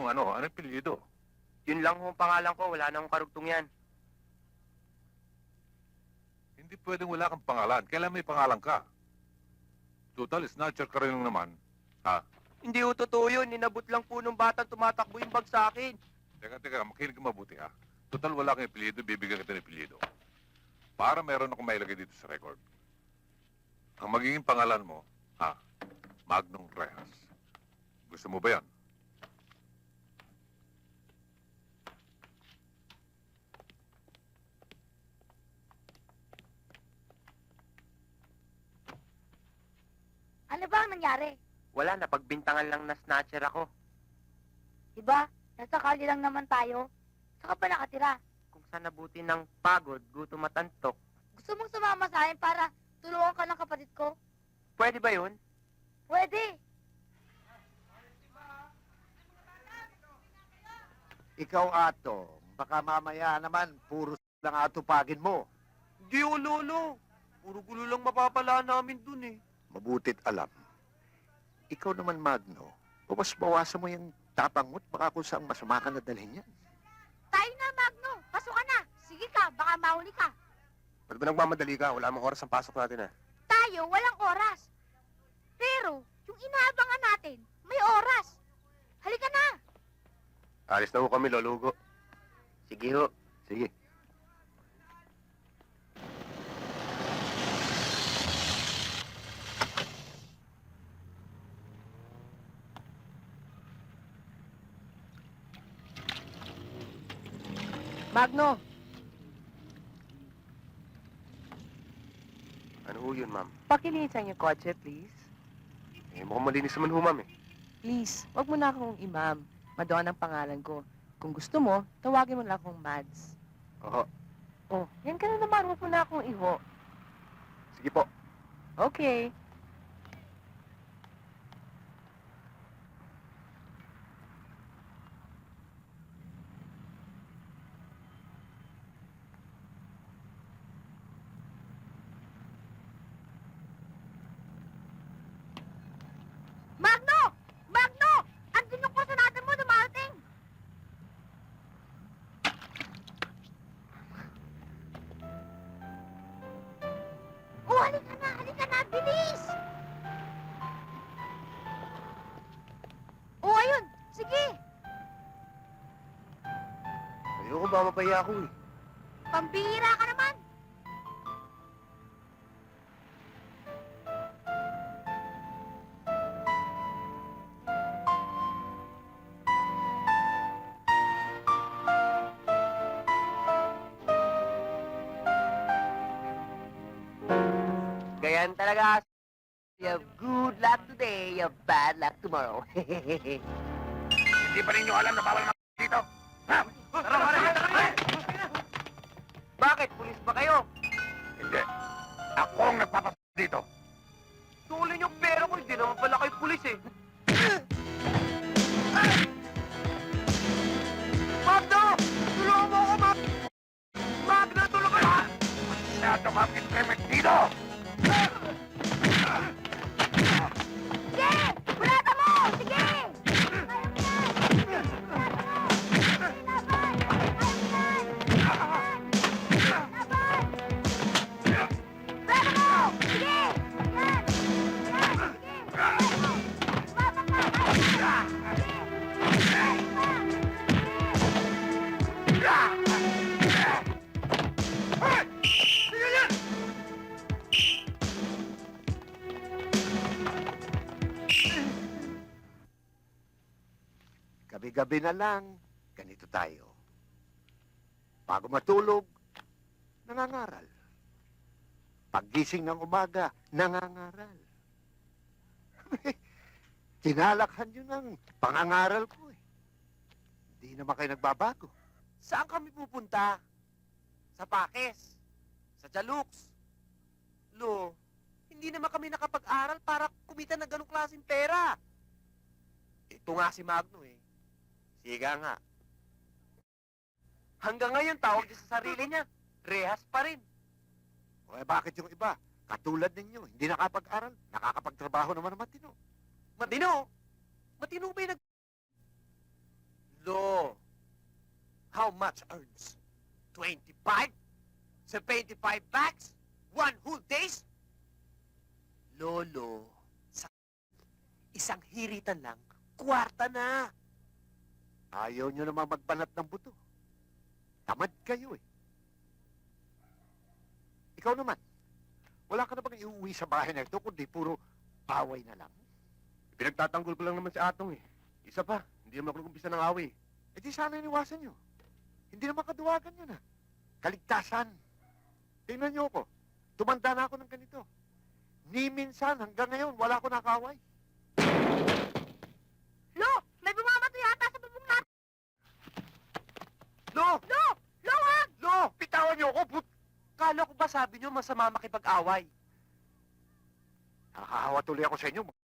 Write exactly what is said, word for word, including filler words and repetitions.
Anong ano? Anong apelyido? Yun lang ho ang pangalan ko, wala nang karugtong yan. Hindi pwedeng wala kang pangalan. Kailan may pangalan ka? Total, snatcher ka rin lang naman. Ha? Hindi ho totoo yun, ninabot lang po nung batang tumatakbo yung bag sa akin. Teka, teka, makinig ka mabuti ha. Total, wala kang apelyido, bibigyan kita ng apelyido. Para meron akong mailagay dito sa record. Ang magiging pangalan mo, ha? Magnum Rehas. Gusto mo ba yan? Ano ba ang nangyari? Wala, napagbintangan lang na snatcher ako. Diba? Nasa kali lang naman tayo. Saka pa nakatira. Kung saan nabuti ng pagod, gutom at antok. Gusto mong sumama sa akin para tulungan ka ng kapatid ko? Pwede ba yun? Pwede. Ikaw, Atong, baka mamaya naman, puro lang atupagin mo. Hindi ho, lolo. Puro gulo lang mapapala namin dun eh. Mabutit alam. Ikaw naman, Magno, bawas-bawasan mo yung tapang mo't baka kung saan masama ka nadalhin yan. Tayo na, Magno. Pasok ka na. Sige ka, baka mahuli ka. Ba't ba nagmamadali ka? Wala mong oras ang pasok natin ah. Tayo, walang oras. Pero, yung inaabangan natin, may oras. Halika na. Alis na ho kami, lolugo. Sige ho. Sige. Magno! Ano ho yun, ma'am? Pakilisan yung kotse, please. Eh, mukhang malinis naman ho, ma'am eh. Please, wag mo na akong imam. Madoan ang pangalan ko. Kung gusto mo, tawagin mo lang akong Mads. Oo. Oh, yan ka na naman. Huwag mo na akong iho. Sige po. Okay. Magno! Magno! Andun yung kurso natin mo, dumarating. Oh, halika na, halika na, bilis! Oh, ayun, sige. Ayoko ba mapaya ako eh. Pambihira ka naman. Ganyan talaga. You have good luck today, you have bad luck tomorrow. Hindi pa ninyo alam na bawal mga dito? Ha? Tara, tara, tara! Bakit? Pulis ba kayo? Hindi. Ako ang nagpapas dito. Tuloy yung pera ko, hindi naman pala kayo pulis eh. Magno! Tulungan mo ako, Mag... Magno, tulungan mo! Masyado mapit-pemit dito! Sige! Bulata mo! Sige! Kaya mo yan! Bulata mo! Sige, laban! Kaya mo yan! Laban! Bulata mo! Sige! Yan! Yan! Sige! Bulata mo! Umabang ka! Kaya mo yan! Sige! Kaya mo! Gabi-gabi na lang, ganito tayo. Bago matulog, nangangaral. Paggising ng umaga, nangangaral. Tinalakhan yun ang pangangaral ko eh. Hindi naman kayo nagbabago. Saan kami pupunta? Sa Pakis? Sa Jalux? Lo, hindi naman kami nakapag-aral para kumita ng ganong klaseng pera. Ito nga si Magno eh. Siga nga. Hanggang ngayon, tawag niya sa sarili niya, rehas pa rin. O eh, bakit yung iba? Katulad ninyo, hindi nakapag-aral, nakakapagtrabaho naman ng matino. Matino? Matino ba yung nag... Lo, how much earns? twenty-five? seventy-five bags? One whole days? Lolo, sa isang hiritan lang, kwarta na. Ayaw nyo naman magbanat ng buto. Tamad kayo eh. Ikaw naman, wala ka na bang iuwi sa bahay na ito kundi puro away na lang? Pinagtatanggol ko lang naman si Atong eh. Isa pa, hindi naman ako nag-umpisa ng away. Eh di sana iniwasan nyo. Hindi naman kaduwagan yun ah. Kaligtasan. Tingnan nyo ako. Tumanda na ako ng ganito. Ni minsan hanggang ngayon wala ko nakaway. Lo! May bumabato yata sa bubong natin! Lo! Lo! Lo, wag! Lo! Pitawan nyo ako, but... Kala ko ba sabi nyo masama makipag-away? Nakakahawa tuloy ako sa inyo.